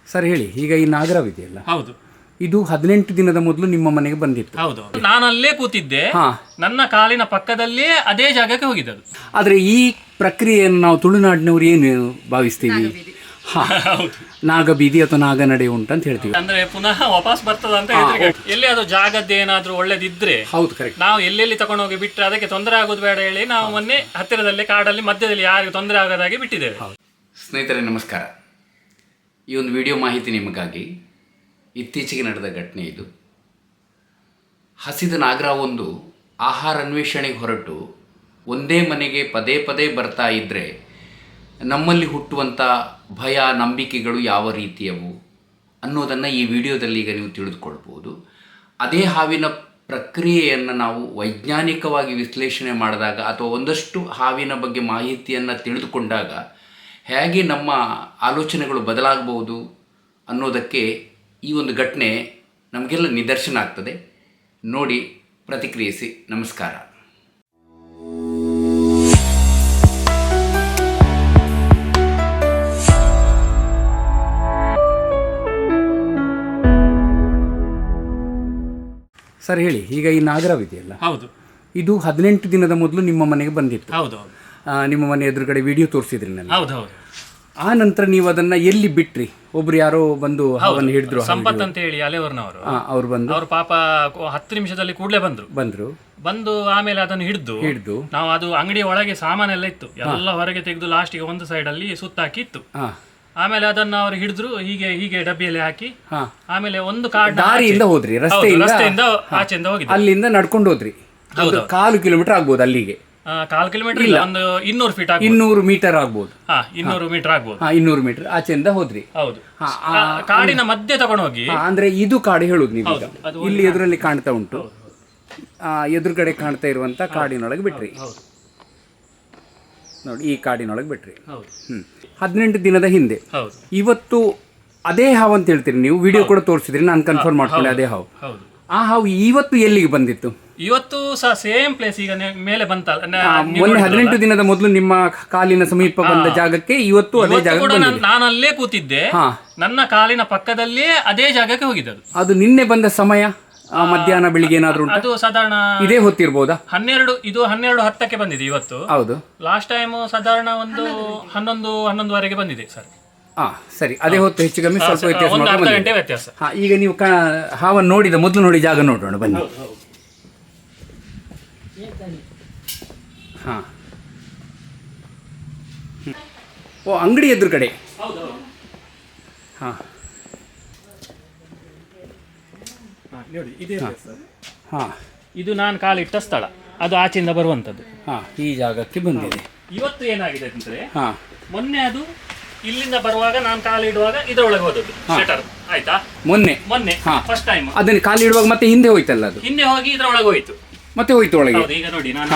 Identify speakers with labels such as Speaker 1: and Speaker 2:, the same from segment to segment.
Speaker 1: Sir ಹೇಳಿ, ಈಗ ಈ ನಾಗರವಿದೆಯಲ್ಲ,
Speaker 2: ಹೌದು,
Speaker 1: ಇದು 18 ದಿನದ ಮೊದಲು ನಿಮ್ಮ ಮನೆಗೆ ಬಂದಿತ್ತು.
Speaker 2: ಹೌದು. ನಾನು ಅಲ್ಲೇ ಕೂತಿದ್ದೆ, ನನ್ನ ಕಾಲಿನ ಪಕ್ಕದಲ್ಲೇ ಅದೇ ಜಾಗಕ್ಕೆ ಹೋಗಿದ್ದದು.
Speaker 1: ಆದರೆ ಈ ಪ್ರಕ್ರಿಯೆಯನ್ನು ನಾವು ತುಳುನಾಡಿನವರು ಏನು ಭಾವಿಸ್ತೀವಿ? ನಾಗಬೀದಿ ಅಥವಾ ನಾಗನಡೆ ಉಂಟಂತ ಹೇಳ್ತೀವಿ.
Speaker 2: ಅಂದ್ರೆ ಪುನಃ ವಾಪಸ್ ಬರ್ತದ ಅಂತ ಹೇಳಿದ್ರೆ, ಎಲ್ಲಿ ಅದು ಜಾಗದ್ದು ಏನಾದ್ರೂ ಒಳ್ಳೇದಿದ್ರೆ
Speaker 1: ಹೌದು, ಕರೆಕ್ಟ್.
Speaker 2: ನಾವು ಎಲ್ಲೆಲ್ಲಿ ತಗೊಂಡು ಹೋಗಿ ಬಿಟ್ಟರೆ ಅದಕ್ಕೆ ತೊಂದರೆ ಆಗೋದು ಬೇಡ ಹೇಳಿ ನಾವು ಮೊನ್ನೆ ಹತ್ತಿರದಲ್ಲಿ ಕಾಡಲ್ಲಿ ಮಧ್ಯದಲ್ಲಿ ಯಾರಿಗೂ ತೊಂದರೆ ಆಗದಾಗೆ ಬಿಟ್ಟಿದ್ದೇವೆ.
Speaker 1: ಸ್ನೇಹಿತರೆ ನಮಸ್ಕಾರ. ಈ ಒಂದು ವಿಡಿಯೋ ಮಾಹಿತಿ ನಿಮಗಾಗಿ. ಇತ್ತೀಚೆಗೆ ನಡೆದ ಘಟನೆ ಇದು. ಹಸಿದ ನಾಗರವೊಂದು ಆಹಾರ ಅನ್ವೇಷಣೆಗೆ ಹೊರಟು ಒಂದೇ ಮನೆಗೆ ಪದೇ ಪದೇ ಬರ್ತಾ ಇದ್ದರೆ ನಮ್ಮಲ್ಲಿ ಹುಟ್ಟುವಂಥ ಭಯ, ನಂಬಿಕೆಗಳು ಯಾವ ರೀತಿಯವು ಅನ್ನೋದನ್ನು ಈ ವಿಡಿಯೋದಲ್ಲಿ ಈಗ ನೀವು ತಿಳಿದುಕೊಳ್ಬೋದು. ಅದೇ ಹಾವಿನ ಪ್ರಕ್ರಿಯೆಯನ್ನು ನಾವು ವೈಜ್ಞಾನಿಕವಾಗಿ ವಿಶ್ಲೇಷಣೆ ಮಾಡಿದಾಗ ಅಥವಾ ಒಂದಷ್ಟು ಹಾವಿನ ಬಗ್ಗೆ ಮಾಹಿತಿಯನ್ನು ತಿಳಿದುಕೊಂಡಾಗ ಹೇಗೆ ನಮ್ಮ ಆಲೋಚನೆಗಳು ಬದಲಾಗಬಹುದು ಅನ್ನೋದಕ್ಕೆ ಈ ಒಂದು ಘಟನೆ ನಮಗೆಲ್ಲ ನಿದರ್ಶನ ಆಗ್ತದೆ. ನೋಡಿ, ಪ್ರತಿಕ್ರಿಯಿಸಿ. ನಮಸ್ಕಾರ. ಸರ್ ಹೇಳಿ, ಈಗ ಈ ನಾಗರವಿದೆಯಲ್ಲ,
Speaker 2: ಹೌದು,
Speaker 1: ಇದು 18 ದಿನದ ಮೊದಲು ನಿಮ್ಮ ಮನೆಗೆ ಬಂದಿತ್ತು.
Speaker 2: ಹೌದು,
Speaker 1: ನಿಮ್ಮ ಮನೆ ಎದುರುಗಡೆ ವಿಡಿಯೋ ತೋರಿಸಿದ್ರಿ ನನಗೆ.
Speaker 2: ಹೌದು, ಹೌದು.
Speaker 1: ಆ ನಂತರ ನೀವು ಅದನ್ನ ಎಲ್ಲಿ ಬಿಟ್ರಿ? ಒಬ್ರು ಯಾರೋ ಬಂದು ಹಾವನ್ನು ಹಿಡಿದ್ರು,
Speaker 2: ಸಂಪತ್ ಅಂತ ಹೇಳಿ ಅಲೆವರ್ನವರು.
Speaker 1: ಅವ್ರು ಬಂದು
Speaker 2: ಅವ್ರು ಪಾಪ 10 ನಿಮಿಷದಲ್ಲಿ ಕೂಡಲೇ ಬಂದು ಆಮೇಲೆ ಅದನ್ನು ಹಿಡಿದು ನಾವು ಅದು ಅಂಗಡಿಯ ಒಳಗೆ ಸಾಮಾನೆಲ್ಲ ಇತ್ತು, ಎಲ್ಲ ಹೊರಗೆ ತೆಗೆದು ಲಾಸ್ಟಿಗೆ ಒಂದು ಸೈಡ್ ಅಲ್ಲಿ ಸುತ್ತಾಕಿ ಇತ್ತು. ಆಮೇಲೆ ಅದನ್ನ ಅವ್ರು ಹಿಡಿದ್ರು, ಹೀಗೆ ಡಬ್ಬಿಯಲ್ಲಿ ಹಾಕಿ ಆಮೇಲೆ ಒಂದು
Speaker 1: ದಾರಿಯಿಂದ ಹೋದ್ರಿ,
Speaker 2: ರಸ್ತೆಯಿಂದ ಆಚೆಯಿಂದ ಹೋಗಿದ್ದು.
Speaker 1: ಅಲ್ಲಿಂದ ನಡ್ಕೊಂಡು ಹೋದ್ರಿ. 1/4 ಕಿಲೋಮೀಟರ್ ಆಗ್ಬೋದು. ಅಲ್ಲಿಗೆ
Speaker 2: 1/4 ಕಿಲೋಮೀಟರ್ ಇಲ್ಲ, ಒಂದು 200 ಫೀಟ್
Speaker 1: 200 ಮೀಟರ್ ಆಗ್ಬೋದು.
Speaker 2: 200 ಮೀಟರ್ ಆಗ್ಬೋದು.
Speaker 1: 200 ಮೀಟರ್ ಆಚೆಯಿಂದ ಹೋದ್ರಿ.
Speaker 2: ಹೌದು, ಕಾಡಿನ ಮಧ್ಯೆ ತಗೊಂಡು ಹೋಗಿ.
Speaker 1: ಅಂದ್ರೆ ಇದು ಕಾಡು ಹೇಳುದು ನೀವು. ಇಲ್ಲಿ ಎದುರಲ್ಲಿ ಕಾಣ್ತಾ ಉಂಟು, ಎದುರುಗಡೆ ಕಾಣ್ತಾ ಇರುವಂತ ಕಾಡಿನೊಳಗೆ ಬಿಟ್ರಿ. ನೋಡಿ, ಈ ಕಾಡಿನೊಳಗೆ ಬಿಟ್ರಿ. 18 ದಿನದ ಹಿಂದೆ. ಇವತ್ತು ಅದೇ ಹಾವು ಅಂತ ಹೇಳ್ತೀರಿ ನೀವು, ವಿಡಿಯೋ ಕೂಡ ತೋರಿಸಿದ್ರಿ, ನಾನು ಕನ್ಫರ್ಮ್ ಮಾಡ್ಕೊಂಡೆ ಅದೇ ಹಾವು. ಆ ಹಾವು ಇವತ್ತು ಎಲ್ಲಿಗೆ ಬಂದಿತ್ತು?
Speaker 2: ಇವತ್ತು ಸಹ ಸೇಮ್ ಪ್ಲೇಸ್. ಈಗ ಮೇಲೆ ಬಂತಲ್ಲ,
Speaker 1: ಮೊನ್ನೆ 18 ದಿನದ ಮೊದಲು ನಿಮ್ಮ ಕಾಲಿನ ಸಮೀಪ ಬಂದ ಜಾಗಕ್ಕೆ ಇವತ್ತು ಅದೇ ಜಾಗ.
Speaker 2: ನಾನು ಅಲ್ಲೇ ಕೂತಿದ್ದೆ, ನನ್ನ ಕಾಲಿನ ಪಕ್ಕದಲ್ಲೇ ಅದೇ ಜಾಗಕ್ಕೆ ಹೋಗಿದ್ದದು.
Speaker 1: ಅದು ನಿನ್ನೆ ಬಂದ ಸಮಯ ಮಧ್ಯಾಹ್ನ ಬೆಳಿಗ್ಗೆ ಏನಾದ್ರು?
Speaker 2: ಅದು ಸಾಧಾರಣ
Speaker 1: ಇದೇ ಹೊತ್ತಿರ್ಬೋದಾ?
Speaker 2: 12:10ಕ್ಕೆ ಬಂದಿದೆ ಇವತ್ತು.
Speaker 1: ಹೌದು.
Speaker 2: ಲಾಸ್ಟ್ ಟೈಮ್ ಸಾಧಾರಣ ಒಂದು 11:11ವರೆಗೆ ಬಂದಿದೆ ಸರ್.
Speaker 1: ಸರಿ, ಅದೇ ಹೊತ್ತು ಹೆಚ್ಚು ಕಮ್ಮಿ ಸ್ವಲ್ಪ ವ್ಯತ್ಯಾಸ.
Speaker 2: ಒಂದು ಅರ್ಧ ಗಂಟೆ ವ್ಯತ್ಯಾಸ.
Speaker 1: ಈಗ ನೀವು ಹಾವನ್ನು ನೋಡಿದ ಮೊದಲು ನೋಡಿ ಜಾಗ ನೋಡೋಣ ಬನ್ನಿ. ಓ, ಅಂಗಡಿ ಎದುರುಗಡೆ.
Speaker 2: ಇದು ನಾನು ಕಾಲಿಟ್ಟ ಸ್ಥಳ, ಅದು ಆಚೆಯಿಂದ ಬರುವಂತದ್ದು.
Speaker 1: ಈ ಜಾಗಕ್ಕೆ ಬಂದಿದೆ.
Speaker 2: ಇವತ್ತು ಏನಾಗಿದೆ ಅಂದ್ರೆ, ಮೊನ್ನೆ ಅದು ಇಲ್ಲಿಂದ ಬರುವಾಗ ನಾನು ಕಾಲಿಡುವಾಗ ಇದರೊಳಗೆ ಹೋದದ್ದು ಶಟರ್, ಆಯ್ತಾ? ಮೊನ್ನೆ ಫಸ್ಟ್ ಟೈಮ್
Speaker 1: ಅದನ್ನ ಕಾಲಿಡುವಾಗ ಮತ್ತೆ ಹಿಂದೆ ಹೋಯ್ತಲ್ಲ, ಅದು
Speaker 2: ಹಿಂದೆ ಹೋಗಿ ಇದರೊಳಗೆ ಹೋಯ್ತು,
Speaker 1: ಮತ್ತೆ ಹೋಯ್ತು ಒಳಗೆ.
Speaker 2: ಈಗ ನೋಡಿ, ನಾನು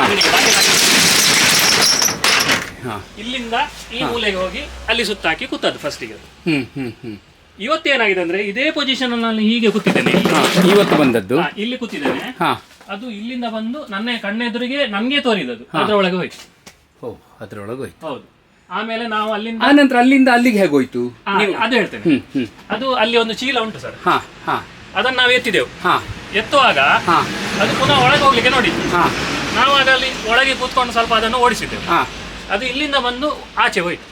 Speaker 2: ಇಲ್ಲಿಂದ ಈ ಮೂಲೆಗೆ ಹೋಗಿ ಅಲ್ಲಿ ಸುತ್ತಾಕಿ ಕೂತದ್ದು ಫಸ್ಟಿಗೆ. ಇವತ್ತೇನಾಗಿದೆ ಅಂದ್ರೆ, ಇದೇ ಪೊಸಿಷನ್ ನಾನು ಹೀಗೆ ಕೂತಿದ್ದೇನೆ.
Speaker 1: ಇವತ್ತು ಬಂದದ್ದು
Speaker 2: ಇಲ್ಲಿ ಕೂತಿದ್ದೇನೆ. ಅದು ಇಲ್ಲಿಂದ ಬಂದು ನನ್ನ ಕಣ್ಣೆದುರಿಗೆ ನನ್ಗೆ ತೋರಿದದು, ಅದರೊಳಗೆ ಹೋಯ್ತು.
Speaker 1: ಅದರೊಳಗೆ ಹೋಯ್ತು.
Speaker 2: ಹೌದು. ಆಮೇಲೆ ನಾವು
Speaker 1: ಅಲ್ಲಿಂದ ಅಲ್ಲಿಗೆ ಹೇಗೆ ಹೋಯ್ತು
Speaker 2: ಅದು ಹೇಳ್ತೇನೆ. ಅದು ಅಲ್ಲಿ ಒಂದು ಚೀಲ ಉಂಟು ಸರ್, ಅದನ್ನ ನಾವು ಎತ್ತಿದೆವು. ಎತ್ತುವಾಗ ಅದು ಪುನಃ ಒಳಗೆ ಹೋಗ್ಲಿಕ್ಕೆ ನೋಡಿದ್ವಿ. ನಾವು ಅದರಲ್ಲಿ ಒಳಗೆ ಕೂತ್ಕೊಂಡು ಸ್ವಲ್ಪ ಅದನ್ನು ಓಡಿಸಿದ್ದೆವು. ಅದು ಇಲ್ಲಿಂದ ಬಂದು ಆಚೆ ಹೋಯ್ತು.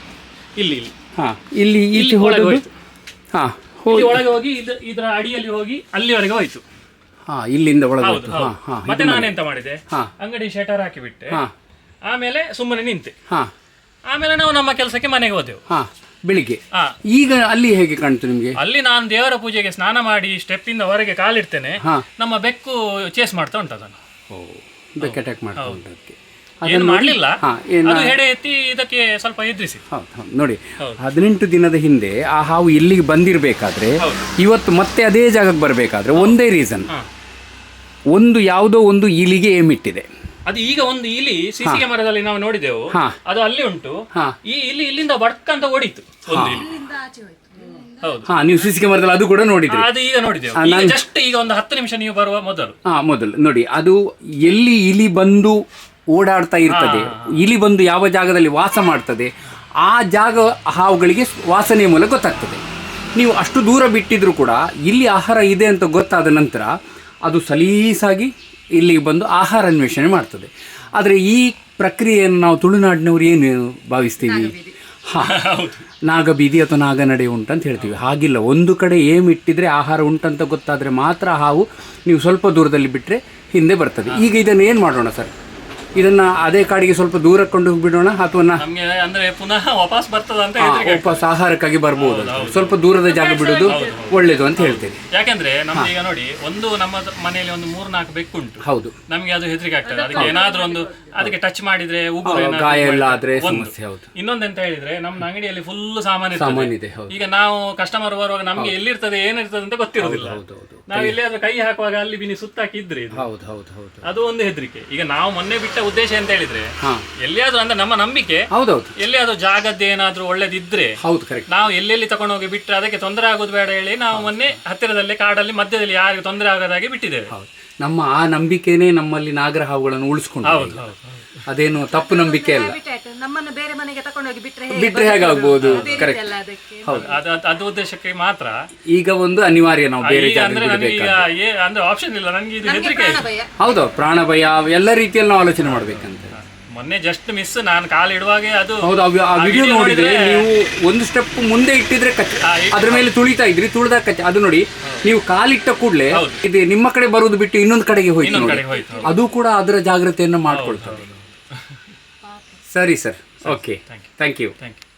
Speaker 2: ಇಲ್ಲಿ ಒಳಗೆ ಹೋಯ್ತು. ಒಳಗೆ ಹೋಗಿ ಇದರ ಅಡಿಯಲ್ಲಿ ಹೋಗಿ ಅಲ್ಲಿವರೆಗೆ ಹೋಯ್ತು.
Speaker 1: ಇಲ್ಲಿಂದ ಒಳಗೆ.
Speaker 2: ಮತ್ತೆ ನಾನೆಂತ ಮಾಡಿದೆ, ಅಂಗಡಿ ಶಟರ್ ಹಾಕಿಬಿಟ್ಟೆ. ಆಮೇಲೆ ಸುಮ್ಮನೆ ನಿಂತೆ. ಆಮೇಲೆ ನಾವು ನಮ್ಮ ಕೆಲಸಕ್ಕೆ ಮನೆಗೆ ಹೋದೆವು
Speaker 1: ಬೆಳಿಗ್ಗೆ. ಈಗ ಅಲ್ಲಿ ಹೇಗೆ ಕಾಣ್ತು ನಿಮ್ಗೆ?
Speaker 2: ಅಲ್ಲಿ ನಾನು ದೇವರ ಪೂಜೆಗೆ ಸ್ನಾನ ಮಾಡಿ ಸ್ಟೆಪ್ ಇಂದ ಹೊರಗೆ ಕಾಲಿಡ್ತೇನೆ, ನಮ್ಮ ಬೆಕ್ಕು ಚೇಸ್ ಮಾಡ್ತಾ ಉಂಟು ಅದನ್ನು.
Speaker 1: ಬೆಕ್ಕು ಅಟ್ಯಾಕ್ ಮಾಡ್ತಾ ಉಂಟು.
Speaker 2: ಏನು ಮಾಡಲಿಲ್ಲ, ಅದು ಹೆಡೆ ಎತ್ತಿ ಇದಕ್ಕೆ ಸ್ವಲ್ಪ ಎದುರಿಸಿ.
Speaker 1: ನೋಡಿ, 18 ದಿನದ ಹಿಂದೆ ಆ ಹಾವು ಇಲ್ಲಿಗೆ ಬಂದಿರಬೇಕಾದ್ರೆ ಇವತ್ತು ಮತ್ತೆ ಅದೇ ಜಾಗಕ್ಕೆ ಬರಬೇಕಾದ್ರೆ ಒಂದೇ ರೀಸನ್, ಒಂದು ಯಾವುದೋ ಒಂದು ಇಲಿಗೆ ಏಮಿಟ್ಟಿದೆ.
Speaker 2: ಅದು ಈಗ ಒಂದು ಇಲಿ ಸಿಸಿ ಕ್ಯಾಮರಾದಲ್ಲಿ ನಾವು ನೋಡಿದೆವು, ಅದು ಅಲ್ಲಿ ಉಂಟು. ಈ ಇಲಿ ಇಲ್ಲಿಂದ ಬಡ್ಕಂತ ಓಡಿತು ಒಂದು ಇಲಿ. ಹೌದು,
Speaker 1: ನೀವು ಸಿಸಿ ಕ್ಯಾಮರಾದಲ್ಲಿ ಅದು ಕೂಡ ನೋಡಿದ್ರಿ?
Speaker 2: ಅದು ಈಗ ನೋಡಿದೆವು, ಜಸ್ಟ್ ಈಗ ಒಂದು 10 ನಿಮಿಷ ನೀವು ಬರುವ ಮೊದಲು
Speaker 1: ನೋಡಿ, ಅದು ಎಲ್ಲಿ ಇಲಿ ಬಂದು ಓಡಾಡ್ತಾ ಇರ್ತದೆ, ಇಲಿ ಬಂದು ಯಾವ ಜಾಗದಲ್ಲಿ ವಾಸ ಮಾಡ್ತದೆ, ಆ ಜಾಗ ಹಾವುಗಳಿಗೆ ವಾಸನೆಯ ಮೂಲಕ ಗೊತ್ತಾಗ್ತದೆ.
Speaker 3: ನೀವು ಅಷ್ಟು ದೂರ ಬಿಟ್ಟಿದ್ರು ಕೂಡ ಇಲ್ಲಿ ಆಹಾರ ಇದೆ ಅಂತ ಗೊತ್ತಾದ ನಂತರ ಅದು ಸಲೀಸಾಗಿ ಇಲ್ಲಿಗೆ ಬಂದು ಆಹಾರ ಅನ್ವೇಷಣೆ ಮಾಡ್ತದೆ. ಆದರೆ ಈ ಪ್ರಕ್ರಿಯೆಯನ್ನು ನಾವು ತುಳುನಾಡಿನವ್ರು ಏನು ಭಾವಿಸ್ತೀವಿ? ನಾಗಬೀದಿ ಅಥವಾ ನಾಗನಡೆ ಉಂಟಂತ ಹೇಳ್ತೀವಿ. ಹಾಗಿಲ್ಲ, ಒಂದು ಕಡೆ ಏಮ್ ಇಟ್ಟಿದ್ರೆ ಆಹಾರ ಉಂಟಂತ ಗೊತ್ತಾದರೆ ಮಾತ್ರ ಹಾವು ನೀವು ಸ್ವಲ್ಪ ದೂರದಲ್ಲಿ ಬಿಟ್ಟರೆ ಹಿಂದೆ ಬರ್ತದೆ. ಈಗ ಇದನ್ನು ಏನು ಮಾಡೋಣ ಸರ್? ಇದನ್ನು ಅದೇ ಕಾಡಿಗೆ ಸ್ವಲ್ಪ ದೂರ ಕೊಂಡು ಬಿಡೋಣ ಅಥವಾ
Speaker 2: ನಮಗೆ ಅಂದ್ರೆ ಪುನಃ ವಾಪಸ್ ಬರ್ತದ ಅಂತ ಹೇಳಿದ್ರೆ
Speaker 3: ವಾಪಸ್ ಆಹಾರಕ್ಕಾಗಿ ಬರ್ಬೋದು, ಸ್ವಲ್ಪ ದೂರದ ಜಾಗ ಬಿಡೋದು ಒಳ್ಳೇದು ಅಂತ ಹೇಳ್ತೇನೆ.
Speaker 2: ಯಾಕಂದ್ರೆ ನಮ್ಗೆ ಈಗ ನೋಡಿ, ಒಂದು ನಮ್ಮ ಮನೆಯಲ್ಲಿ ಒಂದು 3-4 ಬೆಕ್ಕುಂಟು.
Speaker 3: ಹೌದು,
Speaker 2: ನಮಗೆ ಅದು ಹೆದರಿಕೆ ಆಗ್ತದೆ. ಅದಕ್ಕೆ ಏನಾದ್ರೂ ಒಂದು ಅದಕ್ಕೆ ಟಚ್ ಮಾಡಿದ್ರೆ ಉಗುರು
Speaker 3: ಗಾಯ ಎಲ್ಲ ಆದ್ರೆ ಸಮಸ್ಯೆ. ಹೌದು.
Speaker 2: ಇನ್ನೊಂದೆಂತ ಹೇಳಿದ್ರೆ ನಮ್ಮ ಅಂಗಡಿಯಲ್ಲಿ ಫುಲ್ ಸಾಮಾನು ಇದೆ. ಈಗ ನಾವು ಕಸ್ಟಮರ್ ಬರುವಾಗ ನಮ್ಗೆ ಎಲ್ಲಿರ್ತದೆ ಏನಿರ್ತದೆ ಅಂತ ಗೊತ್ತಿರೋದಿಲ್ಲ. ನಾವು ಎಲ್ಲಿಯಾದ್ರೂ ಕೈ ಹಾಕುವಾಗ ಅಲ್ಲಿ ಬಿನಿ ಸುತ್ತಾಕಿದ್ರೆ ಅದು ಒಂದು ಹೆದರಿಕೆ. ಈಗ ನಾವು ಮೊನ್ನೆ ಬಿಟ್ಟ ಉದ್ದೇಶ ಅಂತ ಹೇಳಿದ್ರೆ ಎಲ್ಲಿಯಾದ್ರೂ ಅಂದ್ರೆ ನಮ್ಮ ನಂಬಿಕೆ, ಎಲ್ಲಿಯಾದ್ರೂ ಜಾಗದ್ದು ಏನಾದ್ರೂ ಒಳ್ಳೇದಿದ್ರೆ ನಾವು ಎಲ್ಲೆಲ್ಲಿ ತಗೊಂಡು ಹೋಗಿ ಬಿಟ್ಟರೆ ಅದಕ್ಕೆ ತೊಂದರೆ ಆಗೋದು ಬೇಡ ಹೇಳಿ ನಾವು ಮೊನ್ನೆ ಹತ್ತಿರದಲ್ಲಿ ಕಾಡಲ್ಲಿ ಮಧ್ಯದಲ್ಲಿ ಯಾರಿಗೆ ತೊಂದರೆ ಆಗದಾಗೆ ಬಿಟ್ಟಿದ್ದೇವೆ.
Speaker 3: ನಮ್ಮ ಆ ನಂಬಿಕೆನೇ ನಮ್ಮಲ್ಲಿ ನಾಗರ ಹಾವುಗಳನ್ನು ಉಳಿಸ್ಕೊಂಡು, ಅದೇನು ತಪ್ಪು ನಂಬಿಕೆ ಅಲ್ಲ.
Speaker 4: ನಮ್ಮನ್ನು ಬೇರೆ ಮನೆಗೆ ತಗೊಂಡೋಗಿ
Speaker 3: ಬಿಟ್ರೆ ಹೇಗಾಗ್ಬೋದು? ಕರೆಕ್ಟ್.
Speaker 2: ಅದು ಉದ್ದೇಶಕ್ಕೆ ಮಾತ್ರ
Speaker 3: ಈಗ ಒಂದು ಅನಿವಾರ್ಯ ನಾವು ಬೇರೆ
Speaker 2: ಅಂದ್ರೆ ಅಂದ್ರೆ ಆಪ್ಷನ್ ಇಲ್ಲ, ನನಗೆ ಇದು ಹೆದರಿಕೆ.
Speaker 3: ಹೌದು, ಪ್ರಾಣ ಭಯ ಎಲ್ಲ ರೀತಿಯಲ್ಲಿ ನಾವು ಆಲೋಚನೆ ಮಾಡ್ಬೇಕಂತ.
Speaker 2: ಮೊನ್ನೆ ಜಸ್ಟ್ ಮಿಸ್, ನಾನು ಕಾಲು ಇಡುವಾಗ ಅದು
Speaker 3: ಹೌದು, ಆ ವಿಡಿಯೋ ನೋಡಿದ್ರೆ ನೀವು ಒಂದು ಸ್ಟೆಪ್ ಮುಂದೆ ಇಟ್ಟಿದ್ರೆ ಕಚ್ಚ, ಅದ್ರ ಮೇಲೆ ತುಳಿತಾ ಇದ್ರಿ, ತುಳಿದಾಗ ಕಚ್ಚ. ಅದು ನೋಡಿ, ನೀವು ಕಾಲಿಟ್ಟ ಕೂಡಲೇ ಇದು ನಿಮ್ಮ ಕಡೆ ಬರುವುದು ಬಿಟ್ಟು ಇನ್ನೊಂದು ಕಡೆಗೆ ಹೋಯ್ತು. ಅದು ಕೂಡ ಅದರ ಜಾಗ್ರತೆಯನ್ನು ಮಾಡ್ಕೊಳ್ತಾರೆ. ಸರಿ ಸರ್, ಓಕೆ, ಥ್ಯಾಂಕ್ ಯು.